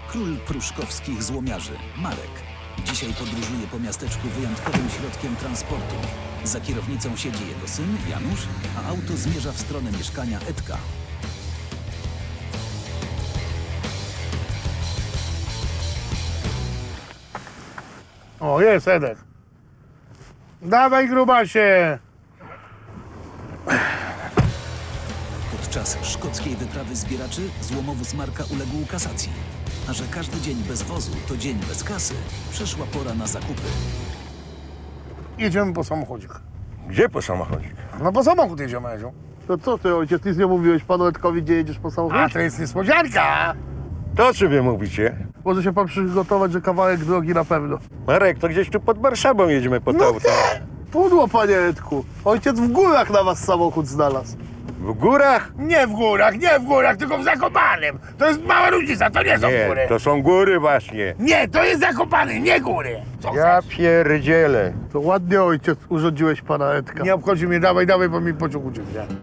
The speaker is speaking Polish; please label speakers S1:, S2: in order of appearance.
S1: Król pruszkowskich złomiarzy, Marek. Dzisiaj podróżuje po miasteczku wyjątkowym środkiem transportu. Za kierownicą siedzi jego syn, Janusz, a auto zmierza w stronę mieszkania Edka.
S2: O, jest Edek. Dawaj, grubasie!
S1: Podczas szkockiej wyprawy zbieraczy złomowóz Marka uległ kasacji. A że każdy dzień bez wozu to dzień bez kasy, przyszła pora na zakupy.
S2: Jedziemy po samochodzik.
S3: Gdzie po samochodzie?
S2: No po samochód jedziemy, Eziu.
S4: To co ty, ojciec, nic nie mówiłeś panu Edkowi, gdzie jedziesz po samochód?
S2: A to jest niespodzianka!
S3: To o czym wy mówicie?
S4: Może się pan przygotować, że kawałek drogi na pewno.
S3: Marek, to gdzieś tu pod Warszawą jedziemy po to auto.
S4: Pudło, panie Edku. Ojciec w górach na was samochód znalazł.
S3: W górach?
S2: Nie w górach, tylko w Zakopanem. To jest mała różnica, to nie są
S3: Nie,
S2: góry.
S3: to są góry właśnie.
S2: Nie, to jest Zakopany, nie góry. Co
S3: Ja
S2: chcesz?
S3: pierdzielę.
S4: To ładnie, ojciec, urządziłeś pana Edka.
S2: Nie obchodzi mnie, dawaj, bo mi pociąg ucieknie.